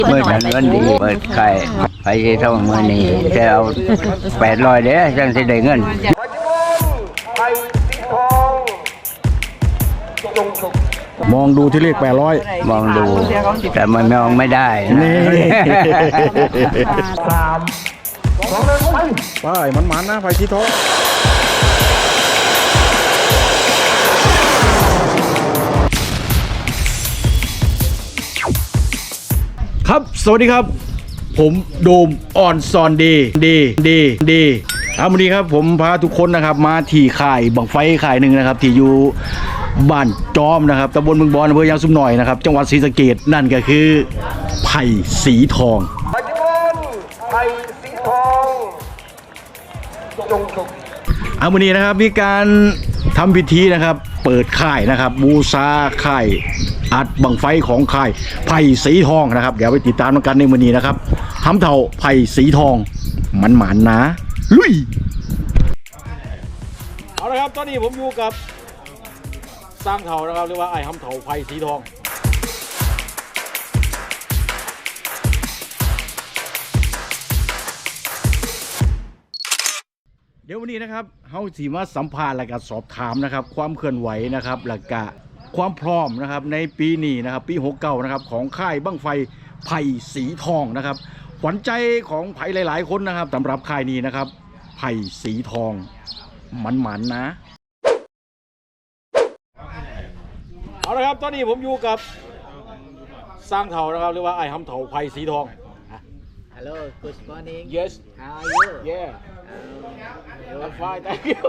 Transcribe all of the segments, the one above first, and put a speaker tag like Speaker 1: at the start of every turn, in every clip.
Speaker 1: เมื่อนั้นวันดีเปิดไข่ไปที่ท่องเมื่อนี้จะเอา800เด้อจังสิได้เงิน
Speaker 2: มองดูที่เลข800
Speaker 1: มองดูแต่มันมองไม่ได้นะ
Speaker 2: ไปมันนะไฟสีทองครับสวัสดีครับผมโดมอ่อนซอนดีวันนี้ครับผมพาทุกคนนะครับมาที่ข่ายบังไฟข่ายหนึ่งนะครับที่อยู่บ้านจอมนะครับตำบลเมืองบอนอำเภอยางซุมหน่อยนะครับจังหวัดศรีสะเกษนั่นก็คือไผ่สีทองวันนี้นะครับมีการทำพิธีนะครับเปิดค่ายนะครับบูชาค่ายอัดบังไฟของค่ายไผ่สีทองนะครับเดี๋ยวไปติดตามกันในมื้อนี้นะครับทำเท่าไผ่สีทองมันหมานนะลุยเอาละครับตอนนี้ผมอยู่กับสร้างเถานะครับเรียกว่าไอ้ทำเถาไผ่สีทองเดี๋ยววันนี้นะครับเฮาสิมาสัมภาษณ์และก็สอบถามนะครับความเคลื่อนไหวนะครับและก็ความพร้อมนะครับในปีนี้นะครับปี69นะครับของค่ายบั้งไฟไผ่สีทองนะครับขวัญใจของไผ่หลายๆคนนะครับสำหรับค่ายนี้นะครับไผ่สีทองมันนะเอาละครับตอนนี้ผมอยู่กับสร้างเถานะครับเรียกว่าไอ้ทำเถาไผ่สีทอง
Speaker 3: Hello, good morning.
Speaker 2: Yes.
Speaker 3: How are you?
Speaker 2: Yeah. I'm fine, thank you.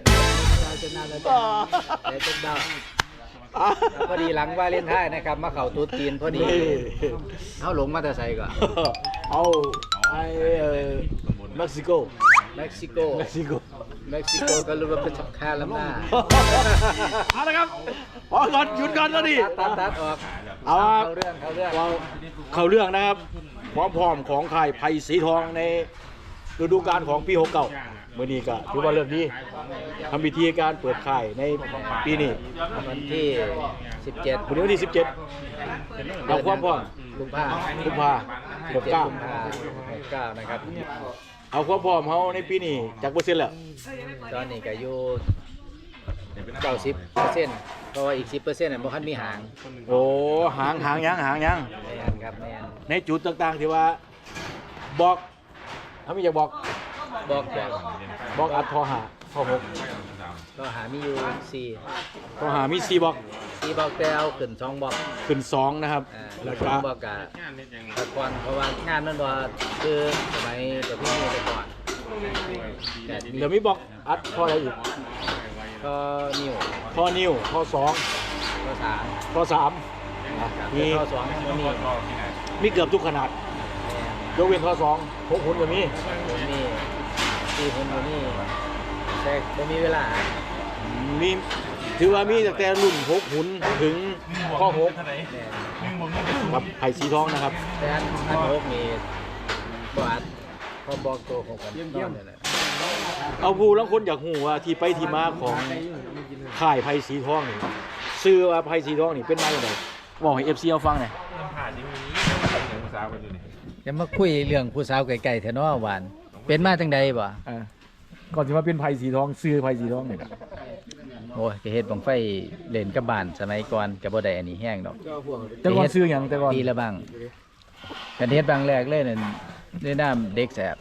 Speaker 3: พอดีหลังวาเลนไทน์นะครับมาเข่าตุ๊จีนพอดีเขาหลงมาแต่ใส่ก่อน
Speaker 2: เอาไอ้เม็กซิโก
Speaker 3: เม็กซิโกก็รู้ว่าเป็นสำคัญลำหน้า
Speaker 2: เอาละครับพอก่อนหยุดก่อนแล้วดิ
Speaker 3: ตัดออกเข้าเ
Speaker 2: รื่องนะครับความพร้อมของค่ายไผ่สีทองในฤดูกาลของปี69เมื่อนี้ก็ถือว่าเริ่มดีทำพิธีการเปิดค่ายในปีนี้
Speaker 3: วันที่17
Speaker 2: วันที่17เราความพร้อม
Speaker 3: กุมภา69นะครับ
Speaker 2: เอาความพร้อมเขาในปีนี้จากเปอร์เซ็นต์แล้ว
Speaker 3: ตอนนี้ก็อยู่90%เพราะว่าอีก10%เนี่ยบ่คันมีหาง
Speaker 2: โอ้หางยัง
Speaker 3: แม่นครับแม่น
Speaker 2: ในจุดต่างๆที่ว่าบอกถ้ามีอยากบอกอัดทอหาทอ6
Speaker 3: ทอหามีอยู่4
Speaker 2: ทอหามี4บอก
Speaker 3: แต่เอาขึ้น2บอก
Speaker 2: ขึ้น2นะครับ
Speaker 3: แล้วก็บอกกะตะก่อนเพราะว่างานมันบ่คือสมัยเดี๋ยวพี่มีแต่ก่อน
Speaker 2: เดี๋ยวมีบอกอัดทออะไรอีก
Speaker 3: ก็นิ้ว
Speaker 2: ทอนิ้วทอ3มี
Speaker 3: ทอ2
Speaker 2: มีเกือบทุกขนาดยกเว้นทอ2 6 หุ่นก็มี
Speaker 3: 4 หุ่นก็มีแต่บ่มีเวลา
Speaker 2: มีถือว่ามีตั้งแต่รุ่น6 หุ่นถึงข้อ6ครับไผ่สีทองนะครับ
Speaker 3: แต่อัน6มีบ่อัดพอบอกตัวของกันนี่แหละ
Speaker 2: เอาผู้ลางคนอยากหูว่าที่ไปที่มาของค่ายไผ่สีทองนี่ชื่อว่าไผ่สีทองนี่เป็นมาอย่างไรบอกให้ FC เอาฟังหน่อย
Speaker 3: จะมาคุยเรื่องผู้สาวไกลๆแถวน้อหวานเป็นมาจังใดบ่
Speaker 2: ก่อนที่มาเป็นไผ่สีทองซื้อไผ่สีทองนี่ครับ
Speaker 3: โอ้ยก็เฮ็ดบังไฟเล่นกับบ้านสมัยก่อนก็บ่ได้อันนี้แห้งดอก
Speaker 2: แต่ก่อนซื้อหยังแต่ก่อน
Speaker 3: ปีละบังกันเฮ็ดบังแรกเลยนั่นด้วยน้ำเด็กแสบ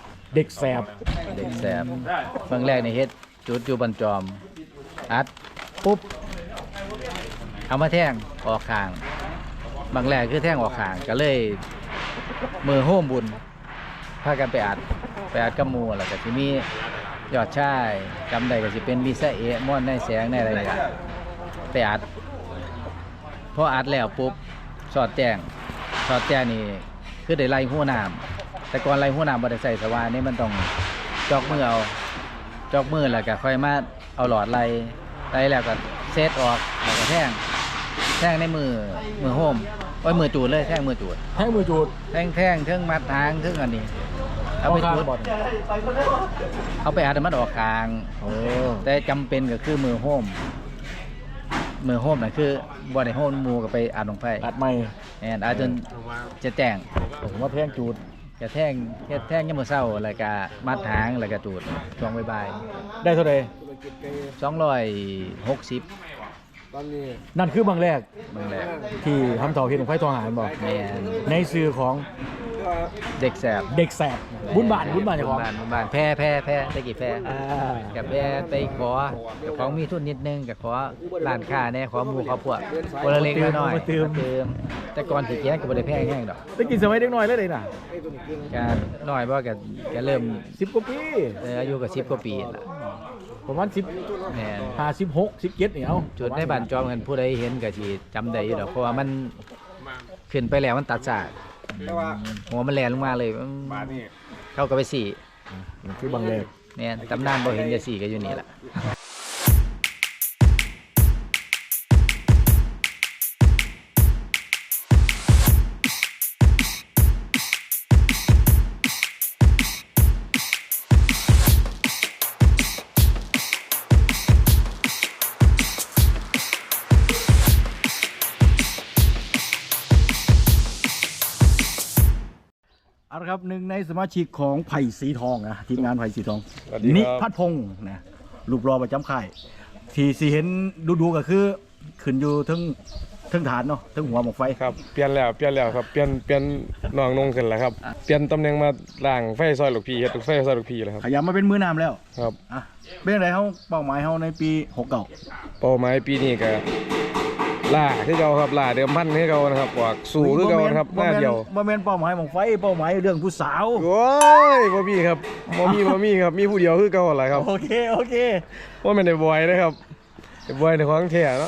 Speaker 3: บังแรกนี่เฮ็ดจุดอยู่บันจอมอัดปุ๊บเอามาแท่งออกข้างบางแรกคือแท่งออกข้างก็เลยมือโฮมบุญพากันไปอัดกับหมู่แล้วก็สิมียอดชายจำได้ก็สิเป็นลิซ่าม่อนในแสงในอะไรกันไปอัดพออัดแล้วปุ๊บสอดแจ้งนี่คือได้ไล่หัวน้ำแต่ก่อนไล่หัวน้ำบ่ได้ใส่สว่านนี่มันต้องจอกมือแล้วก็ค่อยมาเอาหลอดไล่แล้วก็เซตออกแล้วก็แท่งในมือโฮมมือจูดเลยแท่งมือจูดแท่งเทิงมัดทางเทิงอันนี้เอาไปจูดเอาไปอัดมันออกคางแต่จำเป็นก็คือมือโฮมน่ะคือบ่ได้โฮมมูกับไปอัดลงไฟ
Speaker 2: อัดไม่
Speaker 3: อาจจนจะแจ้ง
Speaker 2: ผมว่าแพงจูด
Speaker 3: กระแทงเฮ็ดแท่งยามมื้อเช้าแล้วก็มัดหางแล้วก็จูดช่วงบ่าย
Speaker 2: ได้เท่าไหร่
Speaker 3: ๆ260
Speaker 2: นั่นคือบางแรก
Speaker 3: บางแรก
Speaker 2: ที่ทำเถาเห็นของไฟทองหารบอก
Speaker 3: แม่น
Speaker 2: ในสื่อของ
Speaker 3: เด็กแสบ
Speaker 2: เด็กแสบบุญบานเจ้าของ
Speaker 3: บุญบานแพ้ตะกี้แพ้
Speaker 2: อ่า
Speaker 3: กับแพ้ไปขอกับของมีทุนนิดนึงกับขอร้านค้าแน่ขอหมู่ขอพวกคนละเล็กน้อยมาเติมแต่ก่อนสิแจ้งก็บ่ได้แพงแห้งดอก
Speaker 2: ได้กินสมัยเด็กน้อยแล้วเลยน่ะ
Speaker 3: ก็น้อยบ่ก็เริ่ม
Speaker 2: 10กว่าปี
Speaker 3: อายุก็10กว่าปีล่ะ
Speaker 2: ประมาณ10
Speaker 3: แม่น
Speaker 2: 56 17นี่เอา
Speaker 3: จุดในบ้านจอมกันผู้ใดเห็นก็สิจำได้อยู่ดอกเพราะว่ามันขึ้นไปแล้วมันตัดสากหัวมันแลนลงมาเลยเข้าก็ไปสี่
Speaker 2: มันคือบางแรก
Speaker 3: เนี่ยตำนานบ่เห็นจะสี่ก็อยู่นี่แหละ
Speaker 2: เอาละครับหนึ่งในสมาชิกของไผ่สีทองนะทีมงานไผ่สีทอง
Speaker 4: สวัสดีครับ
Speaker 2: นิพัฒน์พงศ์นะรูปรอประจำค่ายที่สีเห็นดูก็คือขึ้นอยู่ทั้งฐานเนาะทั้งหัวหมกไฟ
Speaker 4: ครับเปลี่ยนแล้วครับเปลี่ยนน้องนงขึ้นแล้วครับเปลี่ยนตำแหน่งมาล่างไฟซอยลูกพี่เฮ็ดไฟซอยลูกพี่แล้วครับ
Speaker 2: ขยับมาเป็นมือน้ำแล้ว
Speaker 4: ครับ
Speaker 2: อ่ะเป็นอะไรเขาเป้าหมายเขาในปี69
Speaker 4: เป้าหมายปีนี้ก็ล่าคือเก่าครับล่าเดิมพันคือเก่านะครับออกสู่คือเก่านะครับหน้าเดียว
Speaker 2: บ่แม่นเป้าหมายหมกไฟเป้าหมายเรื่องผู้สาว
Speaker 4: โอ้ยบ่มีครับบ่มีครับมีผู้เดียวคือเก่าแหละครับ
Speaker 2: โอเค
Speaker 4: ว่ามันได้บอยนะครับได้บอยในของแท้เนาะ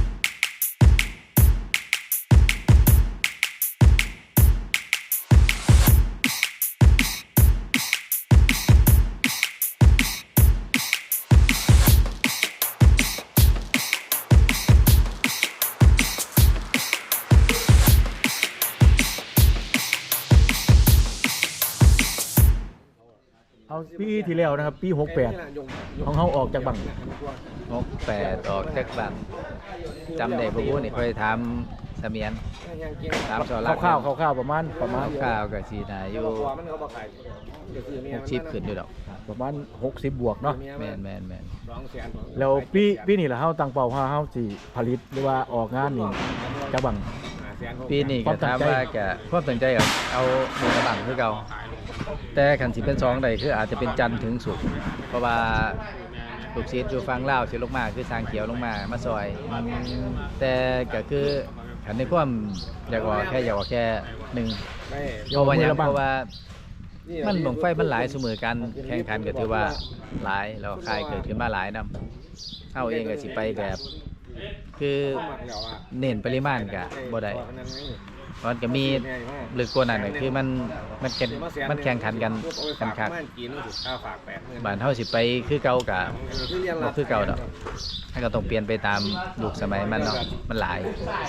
Speaker 2: เอาปีที่แล้วนะครับปี68ของเขาออกจากบัง
Speaker 3: 68ออกจากบ้านจำได้บ่ฮู้นี่ค่อยถามเสมียนถามสอรัก
Speaker 2: คร่าวๆประมาณ
Speaker 3: ข้าวก็สิน่าอยู่60ขึ้นอยู่ดอก
Speaker 2: ประมาณ60บวกเนาะ
Speaker 3: แม่น
Speaker 2: แล้วปีนี้ล่ะเฮาตั้งเป้าว่าเฮาสิผลิตหรือว่าออกงานนี่จากบัง
Speaker 3: ปีนี้ก็ถามว่าก็ความตั้งใจก็เอาหมู่กระบังคือเก่าแต่คันสิเป็น2ใดคืออาจจะเป็นจันทร์ถึงศุกร์เพราะว่าลูกศิษย์อยู่ฝั่งลาวสิลงมาคือทางเขียวลงมาซอย แต่ก็คือคันในความอยากออกแค่1เพราะว่าหยังเพราะว่ามันหลงไฟมันหลายเสมอกันแข่งขันก็ถือว่าหลายแล้วค่ายเกิดขึ้นมาหลายนำเฮาเองก็สิไปแบบคือเน้นปริมาณก็บ่ได้มันก็มีลึกกว่านั้นก็คือมันแข่งขันกันคักบ้านเฮาสิไปคือเก่าก็บ่คือเก่าดอกมันก็ต้องเปลี่ยนไปตามยุคสมัยมันเนาะมันหลาย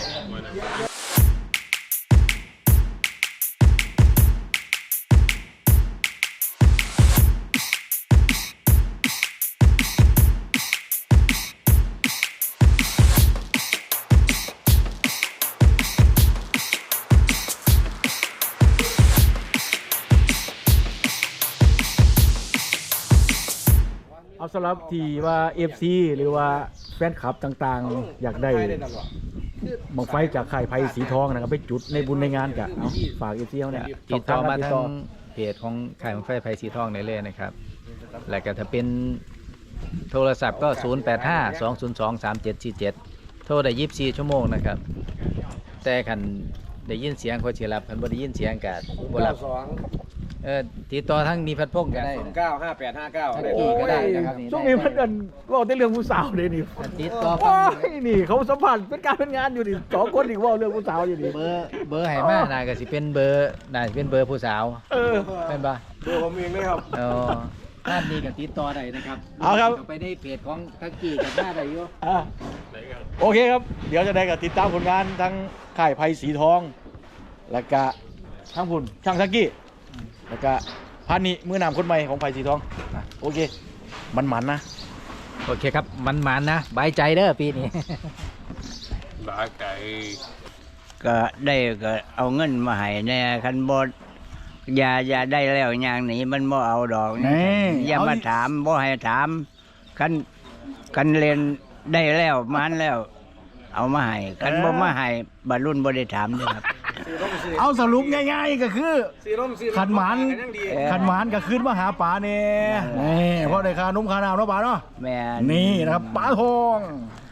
Speaker 2: เอาสำหรับที่ว่า FC หรือว่าแฟนคลับต่างๆ อยากได้บังไฟจากค่ายไผ่สีทองนะครับไปจุดในบุญในงานกะเอาฝาก FC เฮาเนี่ย
Speaker 3: ติดต่อมา
Speaker 2: ติด
Speaker 3: ทา
Speaker 2: ต่อง
Speaker 3: เพจของค่ายบั้งไฟไผ่สีทองได้เลยนะครับ แล้วก็ถ้าเป็นโทรศัพท์ก็ 0852023747 โทรได้24 ชั่วโมงนะครับ แต่คันได้ยินเสียงเขาสิรับคันบ่ได้ยินเสียงก็บ่รับติดต่อทั้งมีพัดพงก็ได้
Speaker 4: 95859
Speaker 3: ได้ก็ได้นะครับ
Speaker 2: ช่วงนี้มันกันเว่าแต่เรื่องผู้สาวเลยนี่
Speaker 3: ติดต่อ
Speaker 2: โอ้
Speaker 3: ฟัง
Speaker 2: ยนี่เขาสัมผัสเป็นการเป็นงานอยู่นี่2คนอีกเว่าเรื่องผู้สาวอยู่นี่
Speaker 3: เบอร์ให้มาน่าก็สิเป็นเบอร์ผู้สาว
Speaker 2: เออ
Speaker 3: แม่นบ่
Speaker 4: ดูผมเองเลยครับ
Speaker 3: อ๋อท่านนี้ก็ติดต่อได้นะครับ
Speaker 2: เอาครับ
Speaker 3: ไปในเพจของทักกี้กับหน้าได้อยู่
Speaker 2: อ่ะโอเคครับ เดี๋ยวจะได้กับติดตามผลงานทั้งค่ายไผ่สีทอง แล้วก็ทั้งผุนช่างซักกี้ แล้วก็พานิมือนำคนใหม่ของไผ่สีทองอ่ะโอเค มันนะ
Speaker 3: โอเคครับมันนะบายใจเด้อปีนี้
Speaker 4: หลาไก่
Speaker 1: ก็ได้ก็เอาเงินมาให้แน่คันบ่อย่าได้แล้วอย่างนี้มันบ่เอาดอกนี่อย่ามาถามบ่ให้ถามคันเรียนได้แล้วมันแล้ว เอามาให้คันบ่มาให้บรรลุนบ่ได้ถามเด้อครับ
Speaker 2: เอาสรุปง่ายๆก็คือขันหมานก็ขึ้นมาหาป๋าเนี่ยนี่เพราะได้ค่านมค่าน้ำเนาะป๋าเนาะ
Speaker 1: แม่
Speaker 2: นี่นะครับป๋าทอง